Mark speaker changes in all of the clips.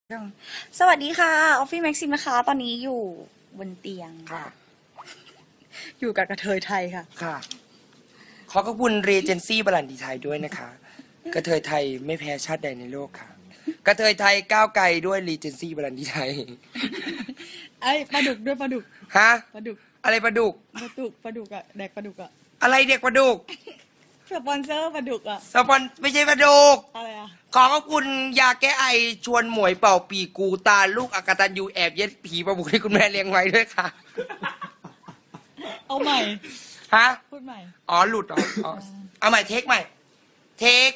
Speaker 1: สวัสดีค่ะออฟฟี่แม็กซิมนะคะตอนนี้อยู่บนเตียง
Speaker 2: ค่ะ
Speaker 1: อยู่กับกระเทยไทยค่ะ
Speaker 2: ค่ะ ขอบคุณเรเจนซี่บรันดีไทยด้วยนะคะ กระเทยไทยไม่แพ้ชาติใดในโลกค่ะ กระเทยไทยก้าวไกลด้วยเรเจนซี่บรันดีไทย
Speaker 1: ไอ้ปลาดุกด้วยปลาดุก
Speaker 2: ฮะ
Speaker 1: ปลาดุก
Speaker 2: อะไรปลาดุก
Speaker 1: อะแดกปลาดุกอะ
Speaker 2: อะไรเด็กปลาดุก
Speaker 1: สปอนเซอร์ปลาดุกอะ
Speaker 2: สปอนไม่ใช่ปลาดุก
Speaker 1: อะไรอะ
Speaker 2: ขอขอบคุณยาแก้ไอชวนหมวยเป่าปีกูตาลูกอกตันยูแอบเย็ดผีประบุที่คุณแม่เลี้ยงไว้ด้วยค่ะ
Speaker 1: เอาใหม่
Speaker 2: ฮะ
Speaker 1: พูดใหม่
Speaker 2: อ๋อหลุดเหรออ๋อเอาใหม่เทคใหม่ เทค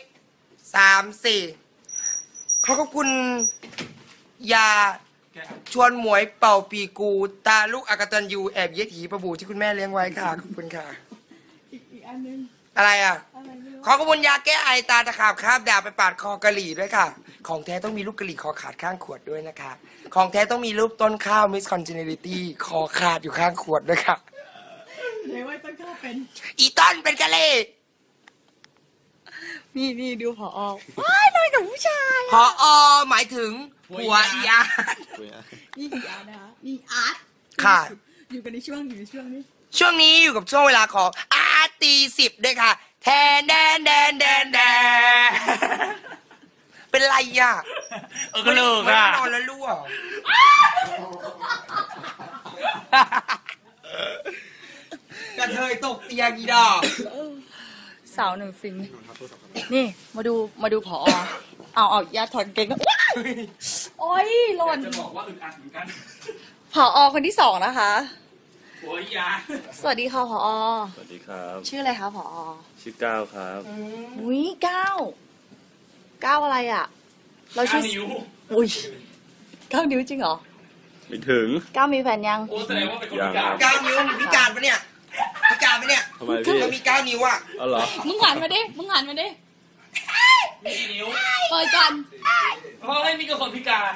Speaker 2: 3-4ขอขอบคุณยาชวนหมวยเป่าปีกูตาลูกอกตันยูแอบเย็ดผีประบุที่คุณแม่เลี้ยงไว้ค่ะขอบคุณค่ะ
Speaker 1: อีกอันนึง
Speaker 2: อะไรอ่ะ
Speaker 1: อะไรไม่รู้
Speaker 2: ขอขอบคุณยาแก้ไอตาตะขาบคาบดาบไปปาดคอกะหรี่ด้วยค่ะ ของแท้ต้องมีลูกกะหรี่คอขาดข้างขวดด้วยนะคะ ของแท้ต้องมีรูปต้นข้าวมิสคอนเจเนริตี้คอขาดอยู่ข้างขวดด้วยค่ะ
Speaker 1: เดี๋ยวไว้ต้นข้าวเป็น
Speaker 2: อีต้นเป็นกะเล่
Speaker 1: นี่ดูผอว้ายนอนกับผู้ชาย
Speaker 2: พอหมายถึงผัวอีอา
Speaker 1: นี่อีอาร์ตนะคะนี่อาร์ต
Speaker 2: ค่ะ
Speaker 1: อยู่กันในช่วงนี้
Speaker 2: ช่วงนี้อยู่กับช่วงเวลาของอาตี10ด้วยค่ะ แทนแดนเป็นไรอ่ะ
Speaker 3: ก็เลิกอ่ะ
Speaker 2: นอนแล้วรั่วกระเทยตกเตียงอีดอก
Speaker 1: สาวหนึ่งฟินนี่มาดูผอเอาญาติถอดเกงก็โอ้ยหล่น
Speaker 3: จะบอกว่าอึดอัดเหมือนกัน
Speaker 1: ผอคนที่2นะคะ
Speaker 3: โอ้ยยา
Speaker 1: สวัสดีค่ะผอ
Speaker 4: สวัสดีครับ
Speaker 1: ชื่ออะไรคะผอ
Speaker 4: ชื่อก้าวครับ
Speaker 1: อุ้ย9อะไรอ่ะ เราชื่อ
Speaker 3: นิ้ว
Speaker 1: อุ้ย9 นิ้วจริงเหรอ
Speaker 4: ไม่ถึง
Speaker 1: 9มีแฟนยัง
Speaker 3: โอ้แสดงว่าเป็นคนพิการ
Speaker 2: 9 นิ้วพิการปะเนี่ยพิการปะเนี่ย
Speaker 4: ทำไมพี่
Speaker 2: มันมี9 นิ้วอ่ะ
Speaker 4: เอาเหรอ
Speaker 1: มึงหันมาดิ
Speaker 3: มีกี่นิ้ว
Speaker 1: เปิดกัน
Speaker 3: เพราะไม่มีกับคนพิการ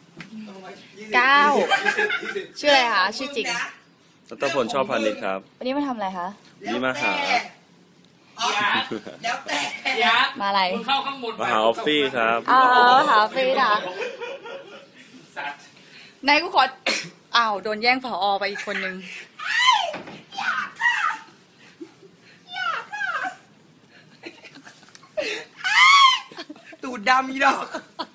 Speaker 1: 9ชื่ออะไรคะชื่อจริง
Speaker 4: รัตพลชอบพานิชครับ
Speaker 1: วันนี้มาทำอะไรคะ
Speaker 4: นี่มาหา
Speaker 2: อ๋อแล้วแต่
Speaker 3: ยา
Speaker 1: มาอะไร
Speaker 3: มึงเข้าข้างบน
Speaker 4: มาหาออฟฟี่ครับ
Speaker 1: อ๋อหาฟรีนะ
Speaker 3: สัตว์
Speaker 1: นายกูขอ อ้าวโดนแย่งผอไปอีกคนนึง
Speaker 2: ตูดดำอีดอก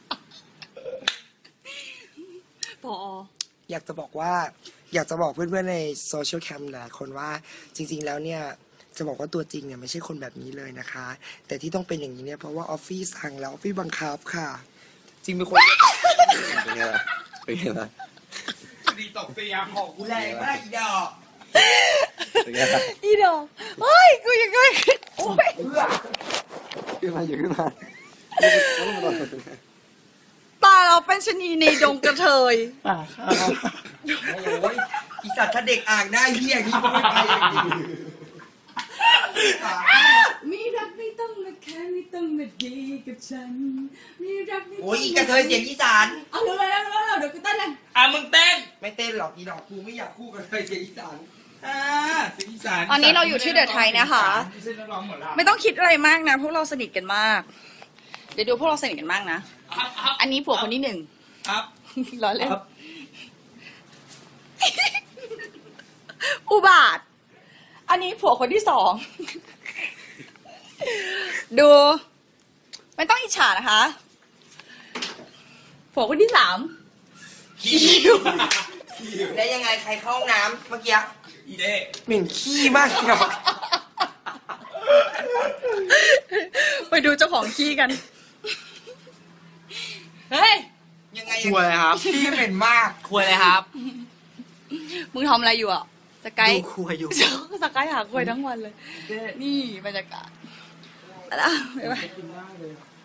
Speaker 1: ผอ
Speaker 2: อยากจะบอกเพื่อนๆในโซเชียลแคมป์หลายคนว่าจริงๆแล้วเนี่ยจะบอกว่าตัวจริงเนี่ยไม่ใช่คนแบบนี้เลยนะคะ แต่ที่ต้องเป็นอย่างนี้เนี่ยเพราะว่าออฟฟี่สั่งแล้วออฟฟี่บังคับค่ะ จริงเป็นคน
Speaker 4: เป็นไงล่ะเป็นไงล่ะ
Speaker 3: ดีตกเตียง
Speaker 2: ของกูแรงมากอีดอก
Speaker 4: เป็นไงล่ะ
Speaker 1: อีดอกเฮ้ย กูยังไงโอ้ย
Speaker 4: ขึ้นมาอยู่ขึ้นมา
Speaker 1: ตาเราเป็นชะนีในดงกระเทย
Speaker 2: โอ้ยอีสัตว์ถ้าเด็กอ่างได้เฮียอย่างนี้ก็ไม่ไปอย่างนี้
Speaker 1: มีรักไม่ต้องมาแค่ไม่ต้องมาดีกับฉัน มีรักไม่ต้อง
Speaker 2: โอ้ยอีกระเทยเสียงอีสาน
Speaker 1: เอาเลยเดี๋ยวกูเต้นเลย
Speaker 3: อ่ะมึงเต้น
Speaker 2: ไม่เต้นหรอกอีดอกกูไม่อยากคู่กับกระเทยเสียงอีสาน
Speaker 3: สิงอีสาน
Speaker 1: ตอนนี้เราอยู่ที่เดอะไทยนะคะ
Speaker 3: ไม่ใช่นักร้องหมดละ
Speaker 1: ไม่ต้องคิดอะไรมากนะ พวกเราสนิทกันมาก เดี๋ยวดูพวกเราสนิทกันมากนะ อันนี้ผัวคนที่1
Speaker 3: ครับ
Speaker 1: ล้อเล่นอุบาท อันนี้ผัวคนที่2 ดู ไม่ต้องอิจฉานะคะ ผัวคนที่3
Speaker 2: ขี้ได้ยังไงใครเข้าห้องน้ำเมื่อกี้
Speaker 3: อีเด้
Speaker 2: เหม็นขี้มากอีดอก
Speaker 1: ไปดูเจ้าของขี้กัน เฮ้ย
Speaker 2: ยังไง
Speaker 3: คุยเลยครับ
Speaker 2: ขี้เหม็นมาก
Speaker 3: คุยเลยครับ
Speaker 1: มึงทำอะไรอยู่อ่ะสกาย
Speaker 2: ดูคุยอยู่
Speaker 1: สกายหาคุยทั้งวันเลย นี่บรรยากาศแล้วไป